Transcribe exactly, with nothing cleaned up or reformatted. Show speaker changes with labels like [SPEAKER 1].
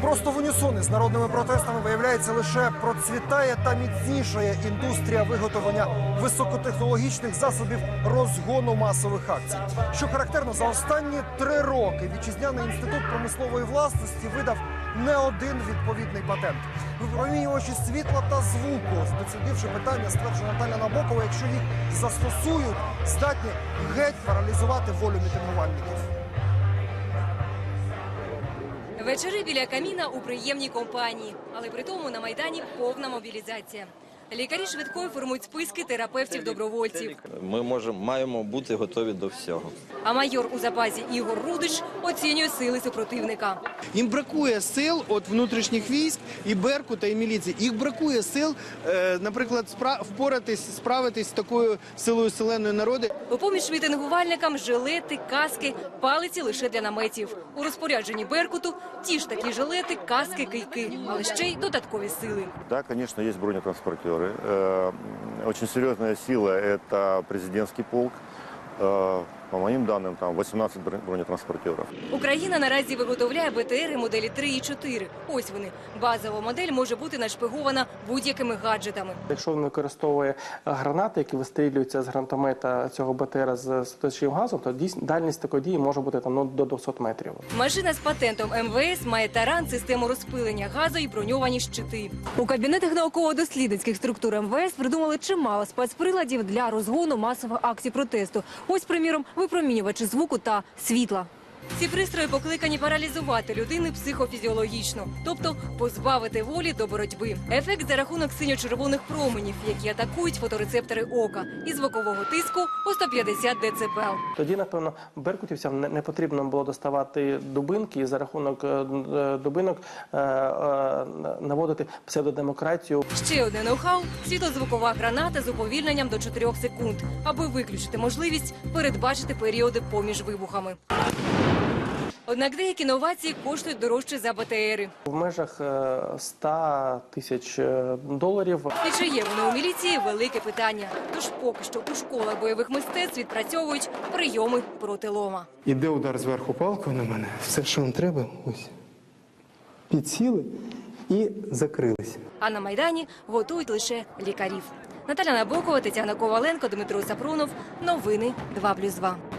[SPEAKER 1] Просто в унісоні з народними протестами, виявляється, лише процвітає та міцнішає індустрія виготовлення високотехнологічних засобів розгону масових акцій. Що характерно, за останні три роки Вітчизняний інститут промислової власності видав не один відповідний патент. Випромінювачі світла та звуку, дослідивши питання, стверджує Наталя Набокова, якщо їх застосують, здатні геть паралізувати волю мітингувальників.
[SPEAKER 2] Вечори біля каміна у приємній компанії, але при тому на Майдані повна мобілізація. Лікарі швидкої формують списки терапевтів-добровольців.
[SPEAKER 3] Ми можемо, маємо бути готові до всього.
[SPEAKER 2] А майор у запасі Ігор Рудич оцінює сили супротивника.
[SPEAKER 4] Їм бракує сил від внутрішніх військ, і Беркута, і міліції. Їх бракує сил, наприклад, впоратись, справитись з такою силою селеної народи.
[SPEAKER 2] У поміж мітингувальникам жилети, каски, палиці лише для наметів. У розпорядженні Беркуту ті ж такі жилети, каски, кийки, але ще й додаткові сили.
[SPEAKER 5] Так, конечно, есть бронетранспортеры. Очень серьезная сила – это президентский полк. По моїм даним, там вісімнадцять бронетранспортерів.
[SPEAKER 2] Україна наразі виготовляє Б Т Р моделі три і чотири. Ось вони. Базова модель може бути нашпигована будь-якими гаджетами.
[SPEAKER 6] Якщо він використовує гранати, які вистрілюються з гранатомета цього Б Т Р з стрілчим газом, то дальність такої дії може бути там, ну, до двохсот метрів.
[SPEAKER 2] Машина з патентом М В С має таран, систему розпилення газу і броньовані щити. У кабінетах науково-дослідницьких структур М В С придумали чимало спецприладів для розгону масових акцій протесту. Ось, приміром, випромінювачі звуку та світла. Ці пристрої покликані паралізувати людину психофізіологічно, тобто позбавити волі до боротьби. Ефект за рахунок синьо-червоних променів, які атакують фоторецептори ока, і звукового тиску у сто п'ятдесят децибел.
[SPEAKER 6] Тоді, напевно, беркутівцям не потрібно було доставати дубинки і за рахунок дубинок наводити псевдодемократію.
[SPEAKER 2] Ще одне ноу-хау – світлозвукова граната з уповільненням до чотирьох секунд, аби виключити можливість передбачити періоди поміж вибухами. Однак деякі новації коштують дорожче за Б Т Ери.
[SPEAKER 6] В межах ста тисяч доларів.
[SPEAKER 2] І чи є вони у міліції – велике питання. Тож поки що у школах бойових мистецтв відпрацьовують прийоми проти лома.
[SPEAKER 7] Іде удар зверху палкою на мене. Все, що вам треба, ось. Підсіли і закрилися.
[SPEAKER 2] А на Майдані готують лише лікарів. Наталя Набокова, Тетяна Коваленко, Дмитро Сапронов. Новини два плюс два.